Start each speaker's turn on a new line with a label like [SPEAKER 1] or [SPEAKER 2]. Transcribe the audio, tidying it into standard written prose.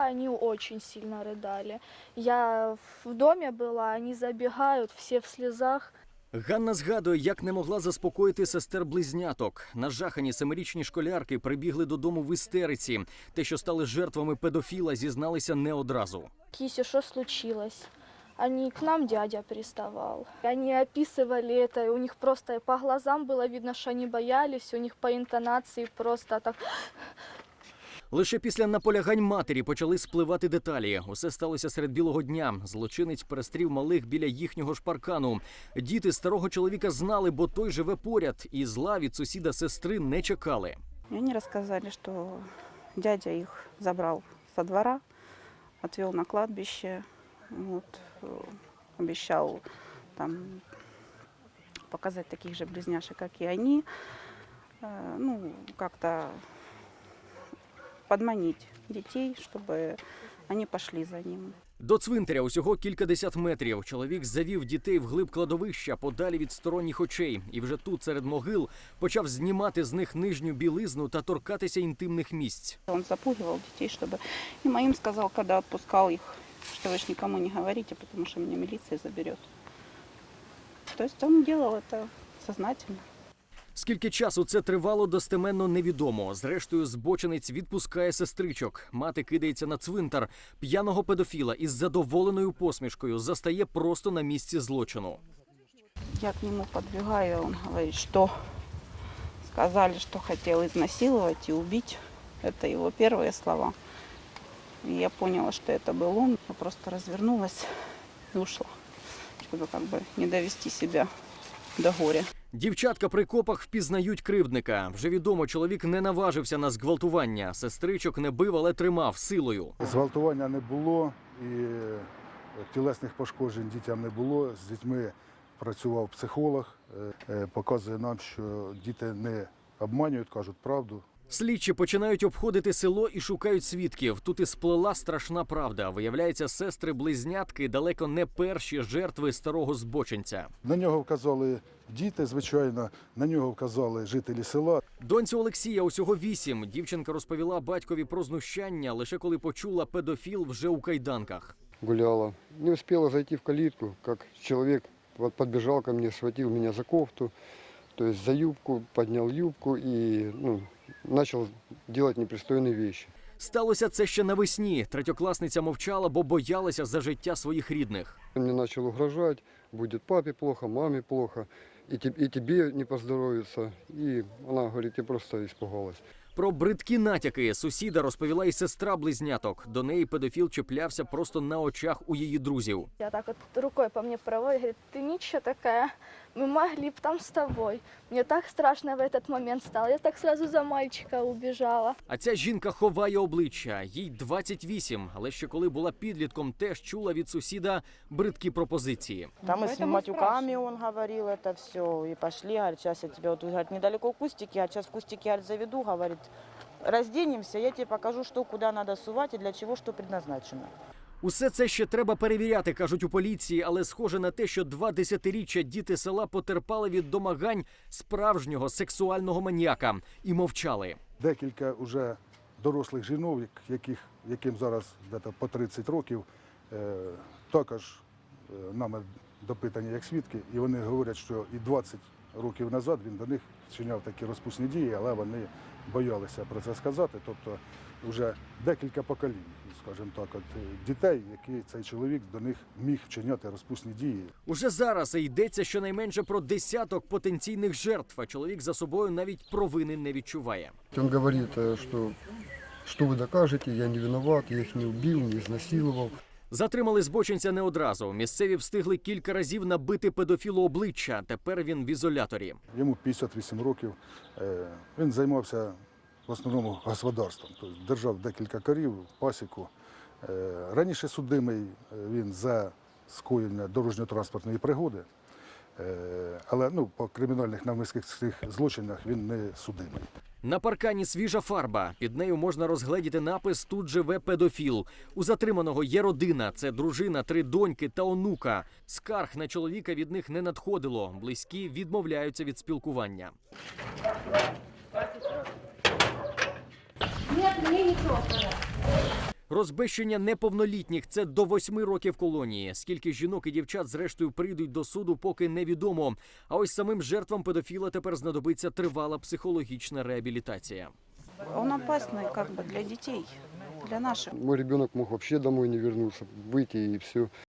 [SPEAKER 1] Они очень сильно рыдали. Я в доме была, они забегают, все в слезах.
[SPEAKER 2] Ганна згадує, як не могла заспокоїти сестер-близняток. Нажахані 7-річні школярки прибігли додому в істериці. Те, що стали жертвами педофіла, зізналися не одразу.
[SPEAKER 1] Кися, что случилось? Они к нам дядя приставал. Они описывали это, и у них просто по глазам было видно, что они боялись, у них по интонации просто так.
[SPEAKER 2] Лише після наполягань матері почали спливати деталі. Усе сталося серед білого дня. Злочинець перестрів малих біля їхнього ж паркану. Діти старого чоловіка знали, бо той живе поряд, і зла від сусіда сестри не чекали.
[SPEAKER 3] Они рассказали, что дядя их забрал со двора, отвел на кладбище, вот, обещал там показать таких же близняшек, как и они, ну, как-то подманить детей, чтобы они пошли за ним.
[SPEAKER 2] До цвинтаря усього кількадесят метрів. Чоловік завів дітей вглиб кладовища, подалі від сторонніх очей. І вже тут, серед могил, почав знімати з них нижню білизну та торкатися інтимних місць.
[SPEAKER 3] Он запугивал детей, чтобы и моим сказал, когда отпускал их, что вы ж никому не говорите, потому что меня милиция заберет. То есть он делал это сознательно.
[SPEAKER 2] Скільки часу це тривало, достеменно невідомо. Зрештою, збочинець відпускає сестричок. Мати кидається на цвинтар. П'яного педофіла із задоволеною посмішкою застає просто на місці злочину.
[SPEAKER 3] Я к нему подбегаю, он говорит, что сказали, что хотел изнасиловать и убить. Это его первые слова. И я поняла, что это был он. Я просто развернулась и ушла, чтобы как бы не довести себя до горя.
[SPEAKER 2] Дівчатка при копах впізнають кривдника. Вже відомо, чоловік не наважився на зґвалтування. Сестричок не бив, але тримав силою.
[SPEAKER 4] Зґвалтування не було і тілесних пошкоджень дітям не було. З дітьми працював психолог, показує нам, що діти не обманюють, кажуть правду.
[SPEAKER 2] Слідчі починають обходити село і шукають свідків. Тут і сплела страшна правда. Виявляється, сестри-близнятки далеко не перші жертви старого збочинця.
[SPEAKER 4] На нього вказали діти, звичайно, на нього вказали жителі села.
[SPEAKER 2] Доньці Олексія усього 8. Дівчинка розповіла батькові про знущання, лише коли почула, педофіл вже у кайданках.
[SPEAKER 5] Гуляла. Не успела зайти в калитку, как человек подбежал ко мне, схватил меня за кофту, то есть за юбку, поднял юбку и начал делать непристойные вещи.
[SPEAKER 2] Сталося це ще навесні. Третьокласниця мовчала, бо боялася за життя своїх рідних.
[SPEAKER 5] Он мне начал угрожать, будет папе плохо, маме плохо, и тебе не поздоровится. И она говорит, я просто испугалась.
[SPEAKER 2] Про бридкі натяки сусіда розповіла і сестра близняток. До неї педофіл чіплявся просто на очах у її друзів.
[SPEAKER 1] Я так вот рукой по мне проводит, говорит, ты ничего такая, мы могли бы там с тобой. Мне так страшно в этот момент стало, я так сразу за мальчика убежала.
[SPEAKER 2] А ця жінка ховає обличчя. Їй 28, але ще коли була підлітком, теж чула від сусіда бридкі пропозиції.
[SPEAKER 6] Там и с матюками он говорил это все. И пошли, говорит, сейчас я тебя, вот, говорит, недалеко кустики, а сейчас в кустики, говорит, заведу, говорит, разденемся, я тебе покажу, что куда надо сувать и для чего что предназначено.
[SPEAKER 2] Усе це ще треба перевіряти, кажуть у поліції, але схоже на те, що 2 десятиріччя діти села потерпали від домагань справжнього сексуального маніяка і мовчали.
[SPEAKER 4] Декілька вже дорослих жінок, яким зараз десь по 30 років, також нами допитані як свідки, і вони говорять, що і 20 років назад він до них вчиняв такі розпусні дії, але вони боялися про це сказати. Тобто вже декілька поколінь, скажімо так, от дітей, які цей чоловік до них міг вчиняти розпусні дії.
[SPEAKER 2] Уже зараз йдеться щонайменше про десяток потенційних жертв, а чоловік за собою навіть провини не відчуває.
[SPEAKER 5] Он говорит, что вы докажете, я не виноват, я их не убил, не изнасиловал.
[SPEAKER 2] Затримали збочинця не одразу. Місцеві встигли кілька разів набити педофілу обличчя. Тепер він в ізоляторі.
[SPEAKER 4] Йому 58 років. Він займався в основному господарством. Тобто держав декілька корів, пасіку. Раніше судимий він за скоєння дорожньо-транспортної пригоди. Але по кримінальних навмисних злочинах він не судимий.
[SPEAKER 2] На паркані свіжа фарба. Під нею можна розгледіти напис «Тут живе педофіл». У затриманого є родина. Це дружина, 3 доньки та онука. Скарг на чоловіка від них не надходило. Близькі відмовляються від спілкування. Розбещення неповнолітніх – це до 8 років колонії. Скільки жінок і дівчат зрештою прийдуть до суду, поки невідомо. А ось самим жертвам педофіла тепер знадобиться тривала психологічна реабілітація.
[SPEAKER 3] Он опасный как бы для детей, для наших.
[SPEAKER 5] Мой ребенок мог вообще домой не вернуться, выйти и все.